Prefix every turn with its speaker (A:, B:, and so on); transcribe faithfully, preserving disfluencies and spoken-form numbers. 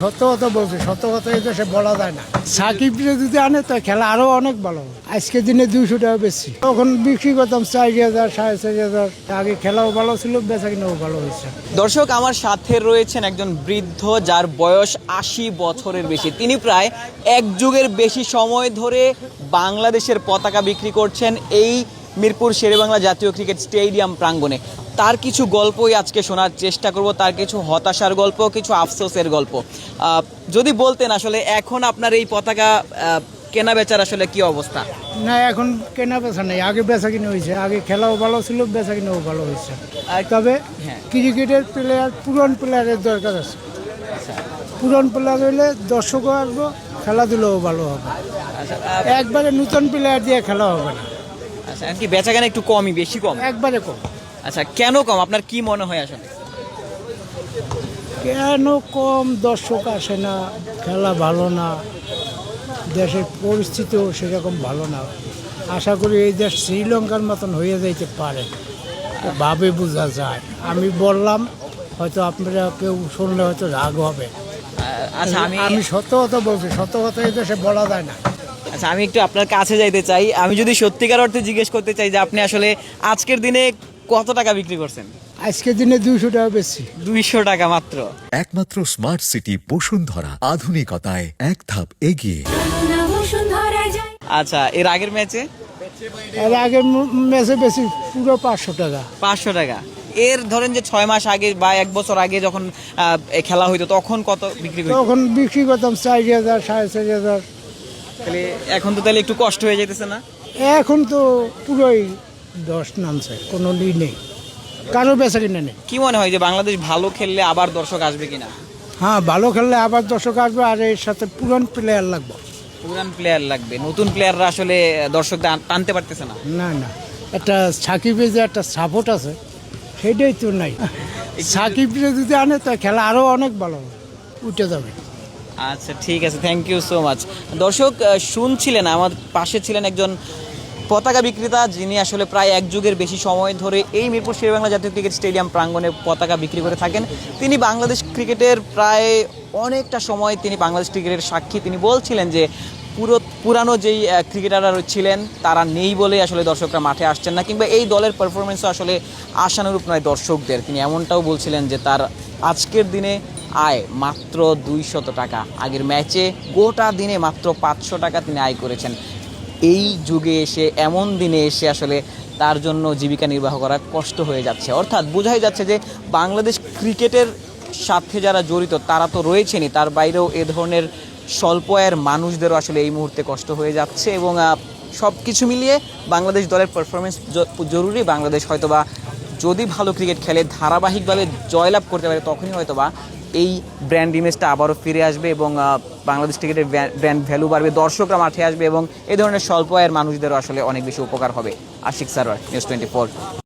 A: সত্য কথা বলছি, সত্য কথা এই দেশে বলা যায় না। সাকিবরে যদি আনে তো খেলা আরো অনেক ভালো। আজকে দিনে দুইশো টাকা বেশি, তখন বিক্রি করতাম চারি হাজার সাড়ে চারি হাজার। আগে খেলাও ভালো ছিল, বেচা কিনাও ভালো হয়েছে।
B: দর্শক, আমার সাথে রয়েছেন একজন বৃদ্ধ যার বয়স আশি বছরের বেশি। তিনি প্রায় এক যুগের বেশি সময় ধরে বাংলাদেশের পতাকা বিক্রি করছেন এই মিরপুর শেরেবাংলা জাতীয় ক্রিকেট স্টেডিয়াম প্রাঙ্গণে। তার কিছু গল্পই আজকে শোনার চেষ্টা করব, তার কিছু হতাশার গল্প, কিছু আফসোসের গল্প। যদি বলতেন আসলে এখন আপনার এই পতাকা কেনা বেচার আসলে কি অবস্থা?
A: না, এখন কেনা বেচা নেই, আগে বেচা কিনে হয়েছে। আগে খেলাও ভালো ছিল, বেচা কিনাও ভালো হয়েছে। তবে ক্রিকেটের প্লেয়ার, পুরান প্লেয়ারের দরকার আছে। পুরান প্লেয়ার হইলে দর্শকও আসবো, খেলাধুলাও ভালো হবে। একবারে নতুন প্লেয়ার দিয়ে খেলা হবে না।
B: আচ্ছা, কি বেচা কেনা একটু কমই, বেশি কম?
A: একবারে কম।
B: আচ্ছা, কেন কম আপনার কি মনে হয় আসলে?
A: কেন কম? দর্শক আসে না, খেলা ভালো না, দেশের পরিস্থিতিও সেরকম ভালো না। আশা করি এই দেশ শ্রীলঙ্কার মতন হয়ে যাইতে পারে, ভাবে বোঝা যায়। আমি বললাম, হয়তো আপনারা কেউ শুনলে হয়তো রাগ হবে।
B: আচ্ছা, আমি
A: আমি সত্য কথা বলছি, সত্য কথা এই দেশে বলা যায় না।
B: আচ্ছা, আমি একটু আপনার কাছে যাইতে চাই। আমি যদি সত্যিকার অর্থে জিজ্ঞেস করতে চাই যে আপনি আসলে আজকের দিনে কত টাকা বিক্রি করছেন?
A: আজকের দিনে দুইশো টাকা বেশি।
B: দুইশো টাকা মাত্র?
C: একমাত্র স্মার্ট সিটি বসুন্ধরা, আধুনিকতায় এক ধাপ এগিয়ে।
B: আচ্ছা, এর আগের ম্যাচে?
A: এর আগের ম্যাচে বেশি, পুরো পাঁচশো টাকা।
B: পাঁচশো টাকা? এর ধরেন যে ছয় মাস আগে বা এক বছর আগে যখন খেলা হইতো তখন কত বিক্রি করতো?
A: তখন বিক্রি করতাম চারি হাজার সাড়ে চারি হাজার।
B: তাহলে এখন তো তাহলে একটু কষ্ট হয়ে যেতেছে না?
A: এখন তো পুরোই দশ নামছে, কোনো ই নেই, কারো বেচা কিনে নেই।
B: কি মনে হয় যে বাংলাদেশ ভালো খেললে আবার দর্শক আসবে কিনা?
A: হ্যাঁ, ভালো খেললে আবার দর্শক আসবে, আর এর সাথে পুরান প্লেয়ার লাগবে।
B: পুরান প্লেয়ার লাগবে, নতুন প্লেয়াররা আসলে দর্শক টানতে পারতেছে না।
A: না না, একটা সাকিবের যে একটা সাপোর্ট আছে, সেটাই তো নাই। সাকিবরে যদি আনে তো খেলা আরো অনেক ভালো হবে, উঠে যাবে।
B: আচ্ছা, ঠিক আছে, থ্যাংক ইউ সো মাচ। দর্শক, শুনছিলেন আমার পাশে ছিলেন একজন পতাকা বিক্রেতা, যিনি আসলে প্রায় এক যুগের বেশি সময় ধরে এই মিরপুর শেরেবাংলা জাতীয় ক্রিকেট স্টেডিয়াম প্রাঙ্গণে পতাকা বিক্রি করে থাকেন। তিনি বাংলাদেশ ক্রিকেটের প্রায় অনেকটা সময় তিনি বাংলাদেশ ক্রিকেটের সাক্ষী। তিনি বলছিলেন যে পুরো পুরানো যেই ক্রিকেটাররা ছিলেন তারা নেই বলে আসলে দর্শকরা মাঠে আসছেন না, কিংবা এই দলের পারফরমেন্সও আসলে আশানুরূপ নয় দর্শকদের। তিনি এমনটাও বলছিলেন যে তার আজকের দিনে আয় মাত্র দুইশত টাকা। আগের ম্যাচে গোটা দিনে মাত্র পাঁচশো টাকা তিনি আয় করেছেন। এই যুগে এসে, এমন দিনে এসে আসলে তার জন্য জীবিকা নির্বাহ করা কষ্ট হয়ে যাচ্ছে। অর্থাৎ বোঝাই যাচ্ছে যে বাংলাদেশ ক্রিকেটের সাথে যারা জড়িত তারা তো রয়েছেনই, তার বাইরেও এ ধরনের স্বল্প আয়ের মানুষদেরও আসলে এই মুহূর্তে কষ্ট হয়ে যাচ্ছে। এবং সব কিছু মিলিয়ে বাংলাদেশ দলের পারফরমেন্স জরুরি। বাংলাদেশ হয়তোবা যদি ভালো ক্রিকেট খেলে, ধারাবাহিকভাবে জয়লাভ করতে পারে, তখনই হয়তোবা এই ব্র্যান্ড ইমেজটা আবারও ফিরে আসবে এবং বাংলাদেশ ক্রিকেটের ব্র্যান্ড ভ্যালু বাড়বে, দর্শকরা মাঠে আসবে এবং এই ধরনের স্বল্প আয়ের মানুষদেরও আসলে অনেক বেশি উপকার হবে। Ashiq Sarwar, news twenty four.